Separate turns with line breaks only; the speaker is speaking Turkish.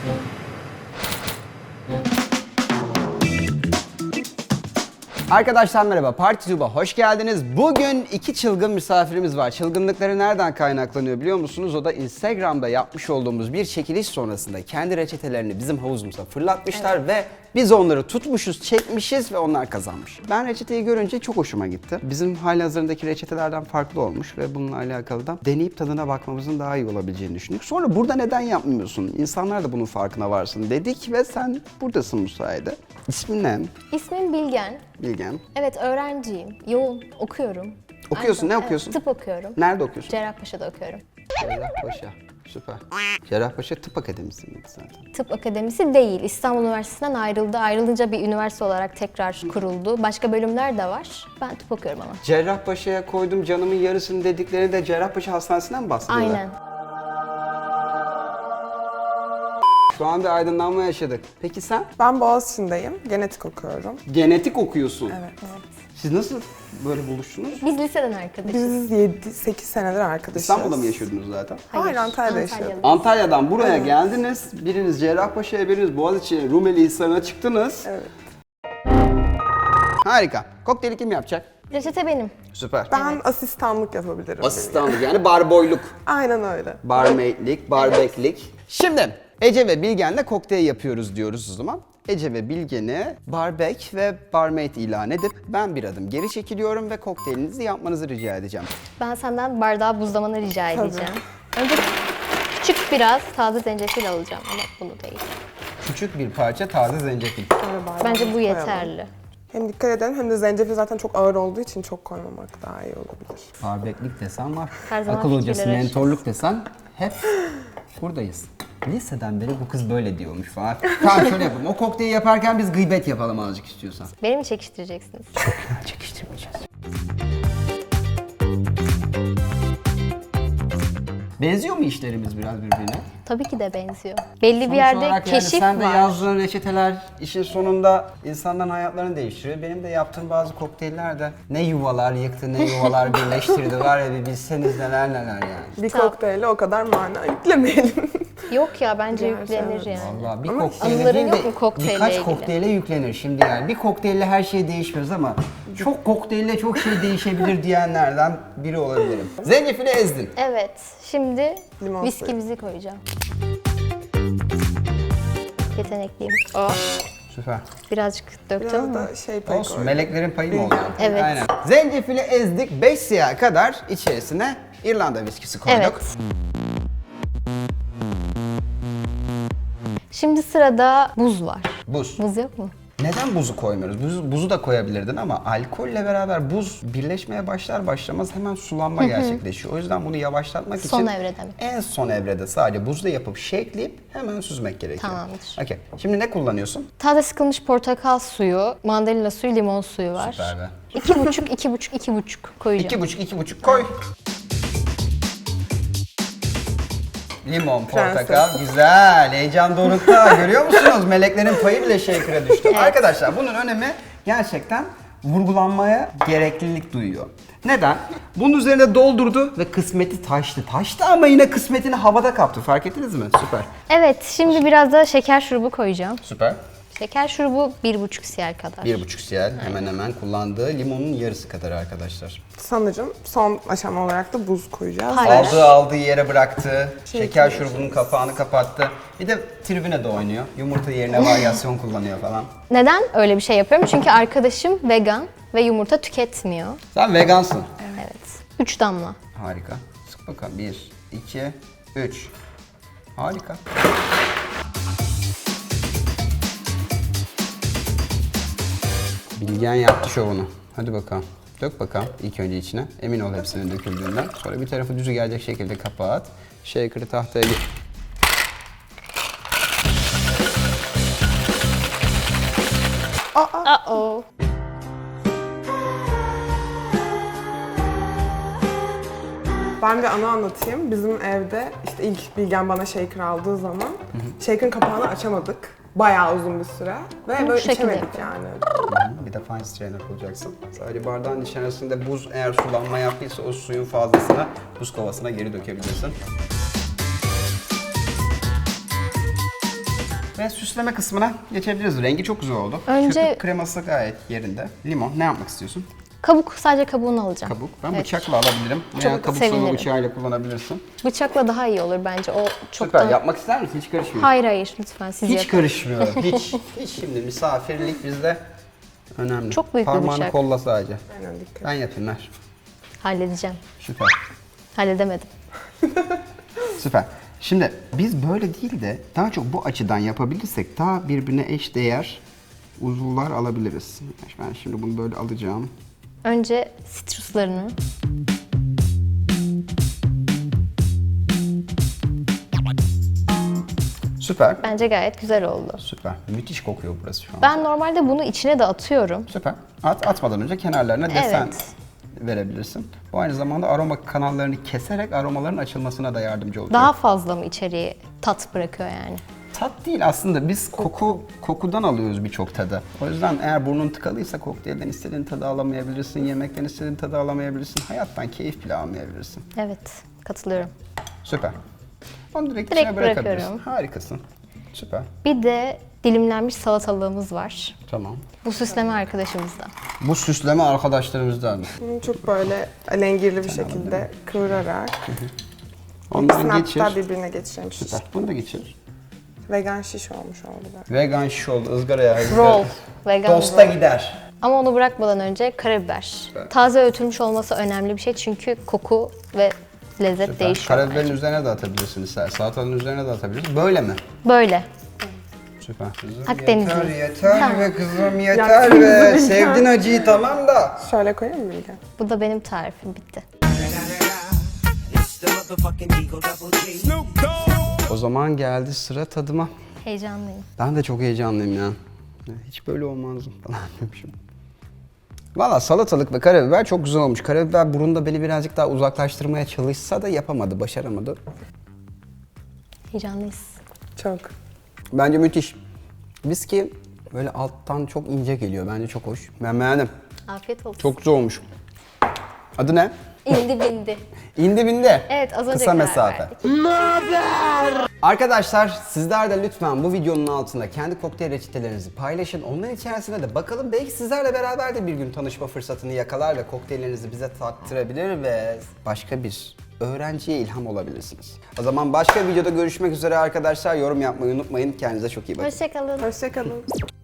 Arkadaşlar merhaba, PartyTube'a hoş geldiniz. Bugün iki çılgın misafirimiz var. Çılgınlıkları nereden kaynaklanıyor biliyor musunuz? O da Instagram'da yapmış olduğumuz bir çekiliş sonrasında kendi reçetelerini bizim havuzumuza fırlatmışlar ve biz onları tutmuşuz, çekmişiz ve onlar kazanmış. Ben reçeteyi görünce çok hoşuma gitti. Bizim halihazırındaki reçetelerden farklı olmuş ve bununla alakalı da deneyip tadına bakmamızın daha iyi olabileceğini düşündük. Sonra burada neden yapmıyorsun? İnsanlar da bunun farkına varsın dedik ve sen buradasın bu sayede. İsmin ne?
İsmim Bilgen.
Bilgen.
Evet, öğrenciyim. Yoğun okuyorum.
Okuyorsun, ne
Evet,
okuyorsun?
tıp okuyorum.
Nerede okuyorsun?
Cerrahpaşa'da okuyorum.
Cerrahpaşa. Süper. Cerrahpaşa Tıp Akademisi miydi zaten?
Tıp Akademisi değil. İstanbul Üniversitesi'nden ayrıldı. Ayrılınca bir üniversite olarak tekrar kuruldu. Başka bölümler de var. Ben tıp okuyorum ama.
Cerrahpaşa'ya koydum canımın yarısını dedikleri de Cerrahpaşa Hastanesi'nden mi bahsediyorlar?
Aynen.
Şu an bir aydınlanma yaşadık. Peki sen?
Ben Boğaziçi'ndeyim. Genetik okuyorum.
Genetik okuyorsun.
Evet.
Siz nasıl böyle buluştunuz?
Biz liseden arkadaşız.
Biz 7-8 senedir arkadaşız.
İstanbul'da mı yaşıyordunuz zaten?
Hayır, Antalya'da yaşıyorduk.
Antalya'dan buraya geldiniz. Biriniz Cerrahpaşa'ya, biriniz Boğaziçi, Rumeli Hisarı'na çıktınız.
Evet.
Harika. Kokteyli kim yapacak?
Reçete benim.
Süper.
Ben asistanlık yapabilirim.
Asistanlık yani barboyluk.
Aynen öyle.
Barmaidlik, barbeklik. Şimdi Ece ve Bilgen'le kokteyl yapıyoruz diyoruz o zaman. Ece ve Bilgen'i barbek ve barmaid ilan edip ben bir adım geri çekiliyorum ve kokteylinizi yapmanızı rica edeceğim.
Ben senden bardağı buzlamanı rica edeceğim. Önce küçük biraz taze zencefil alacağım ama bunu değil.
Küçük bir parça taze zencefil.
Böyle bardağı
Bence bu
koyalım.
yeterli.
Hem dikkat edelim hem de zencefil zaten çok ağır olduğu için çok koymamak daha iyi olabilir.
Barbeklik desen var.
Her zaman
Akıl hocası,
fikirleri
mentorluk desen hep buradayız. Liseden beri bu kız böyle diyormuş falan. Tamam şöyle yapalım. O kokteyli yaparken biz gıybet yapalım azıcık istiyorsan.
Beni mi çekiştireceksiniz?
Çekiştirmeyeceğiz. Benziyor mu işlerimiz biraz birbirine?
Tabii ki de benziyor. Belli bir
Sonuç
yerde
olarak
keşif
sen de
var.
yazdığın reçeteler işin sonunda insanların hayatlarını değiştiriyor. Benim de yaptığım bazı kokteyller de ne yuvalar yıktı, ne yuvalar birleştirdi var ya bir bilseniz neler neler yani.
Bir kokteyle o kadar mana yüklemeyelim.
Yok ya bence
Gerçi
yüklenir
evet.
yani.
Vallahi bir
Ama
kokteyle
anıların
değil
yok
de
mu kokteyle
birkaç
ilgili?
kokteyle yüklenir şimdi yani. Bir kokteyle her şey değişmez ama çok kokteyle çok şey değişebilir diyenlerden biri olabilirim. Zencefili ezdin.
Evet, şimdi
Limon
viskimizi koyacağım. Yetenekliyim. O,
Süper.
birazcık döktüm
Biraz
ama.
da şey payı
Olsun,
koydum.
meleklerin payı mı oldu?
Evet.
Aynen. Zencefili ezdik, 5 siyah kadar içerisine İrlanda viskisi koyduk.
Evet. Şimdi sırada buz var.
Buz.
Buz yok mu?
Neden buzu koymuyoruz? Buzu da koyabilirdin ama alkolle beraber buz birleşmeye başlar başlamaz hemen sulanma gerçekleşiyor. O yüzden bunu yavaşlatmak için
Son evrede mi?
en son evrede sadece buzla yapıp shakeleyip hemen süzmek gerekiyor.
Tamamdır.
Okey. Şimdi ne kullanıyorsun?
Taze sıkılmış portakal suyu, mandalina suyu, limon suyu var.
Süper be.
2,5 koyacağım.
2,5 koy. Limon, portakal, güzel. Heyecan dorukta. Görüyor musunuz? Meleklerin payı bile shaker'a düştü. Arkadaşlar bunun önemi gerçekten vurgulanmaya gereklilik duyuyor. Neden? Bunun üzerine doldurdu ve kısmeti taştı. Taştı ama yine kısmetini havada kaptı. Fark ettiniz mi? Süper.
Evet, şimdi biraz da şeker şurubu koyacağım.
Süper.
Şeker şurubu 1,5 cl kadar.
1,5 cl hemen hemen kullandığı limonun yarısı kadar arkadaşlar.
Sanırım son aşama olarak da buz koyacağız.
Hayır.
Aldığı yere bıraktı. Şeker
koyuyor.
şurubunun kapağını kapattı. Bir de tribüne de oynuyor. Yumurta yerine varyasyon kullanıyor falan.
Neden öyle bir şey yapıyorum? Çünkü arkadaşım vegan ve yumurta tüketmiyor.
Sen vegansın.
Evet. 3 damla.
Harika. Sık bakalım. 1, 2, 3. Harika. Bilgen yaptı şovunu. Hadi bakalım. Dök bakalım ilk önce içine. Emin ol hepsinin döküldüğünden. Sonra bir tarafı düzü gelecek şekilde kapat. Shaker'ı tahtaya
Uh-oh.
Ben bir anı anlatayım. Bizim evde işte ilk Bilgen bana shaker aldığı zaman shaker'ın kapağını açamadık. Bayağı uzun bir süre ve
Bu
böyle
şekilde
içemedik yani.
bir de fine strainer bulacaksın. Sadece bardağın içerisinde buz eğer sulanma yaptıysa o suyun fazlasını buz kovasına geri dökebilirsin. Ve süsleme kısmına geçebiliriz. Rengi çok güzel oldu.
Önce-
Köpük kreması gayet yerinde. Limon, ne yapmak istiyorsun?
Kabuk, sadece kabuğunu alacağım.
Kabuk. Ben
Evet.
bıçakla alabilirim.
Çok
Veya kabuk soğuğu
sevinirim.
bıçağıyla kullanabilirsin.
Bıçakla daha iyi olur bence. O çok
Süper.
da...
Yapmak ister misin? Hiç karışmıyor.
Hayır hayır lütfen siz
Hiç
yapın.
karışmıyor. Hiç şimdi misafirlik bizde önemli.
Çok büyük bir
Parmağını
bıçak.
kolla sadece.
Aynen dikkat.
Ben yapayım ver.
Halledeceğim.
Süper.
Halledemedim.
Süper. Şimdi biz böyle değil de daha çok bu açıdan yapabilirsek daha birbirine eş değer uzuvlar alabiliriz. Ben şimdi bunu böyle alacağım.
Önce sitruslarını.
Süper.
Bence gayet güzel oldu.
Süper. Müthiş kokuyor burası şu an.
Ben normalde bunu içine de atıyorum.
Süper. Atmadan önce kenarlarına desen
Evet.
verebilirsin. Bu aynı zamanda aroma kanallarını keserek aromaların açılmasına da yardımcı olacak.
Daha fazla mı içeriye tat bırakıyor yani?
Tat değil aslında, biz kokudan alıyoruz birçok tadı. O yüzden eğer burnun tıkalıysa kokteylden istediğin tadı alamayabilirsin, yemekten istediğin tadı alamayabilirsin, hayattan keyif bile almayabilirsin.
Evet, katılıyorum.
Süper. Onu direkt
Direkt
içine bırakabilirsin.
bırakıyorum.
Harikasın. Süper.
Bir de dilimlenmiş salatalığımız var.
Tamam.
Bu süsleme arkadaşımızdan.
Bu süsleme arkadaşlarımızdan.
Bunu çok böyle alengirli bir şekilde kıvırarak
Onları
ikisini
geçir.
hatta birbirine geçirmiş.
Süper. Bunu da geçir.
Vegan şiş olmuş oldu böyle.
Vegan şiş oldu, ızgaraya.
Roll. Vegan
Tosta
roll.
gider.
Ama onu bırakmadan önce karabiber. Taze öğütülmüş olması önemli bir şey çünkü koku ve lezzet
Süper.
değişiyor.
Karabiberin
bence.
üzerine de atabilirsin istersen. Salatanın üzerine de atabilirsin. Böyle mi?
Böyle.
Süper. Kızım,
Akdenizli.
yeter yeter
Tamam.
be kızım yeter be. Sevdin acıyı tamam da.
Şöyle koyayım mı Bilge?
Bu da benim tarifim, bitti.
O zaman geldi sıra tadıma.
Heyecanlıyım.
Ben de çok heyecanlıyım ya. Hiç böyle olmazdım falan demişim. Valla salatalık ve karabiber çok güzel olmuş. Karabiber burunda beni birazcık daha uzaklaştırmaya çalışsa da yapamadı, başaramadı.
Heyecanlıyız.
Çok.
Bence müthiş. Viski böyle alttan çok ince geliyor. Bence çok hoş. Ben beğendim.
Afiyet olsun.
Çok güzel olmuş. Adı ne?
İndi bindi.
İndi bindi.
Evet, az önce
Kısa
karar
mesafe.
verdik.
Arkadaşlar sizler de lütfen bu videonun altında kendi kokteyl reçetelerinizi paylaşın. Onların içerisine de bakalım, belki sizlerle beraber de bir gün tanışma fırsatını yakalar ve kokteyllerinizi bize tattırabilir ve başka bir öğrenciye ilham olabilirsiniz. O zaman başka videoda görüşmek üzere arkadaşlar. Yorum yapmayı unutmayın. Kendinize çok iyi bakın.
Hoşçakalın.
Hoşçakalın.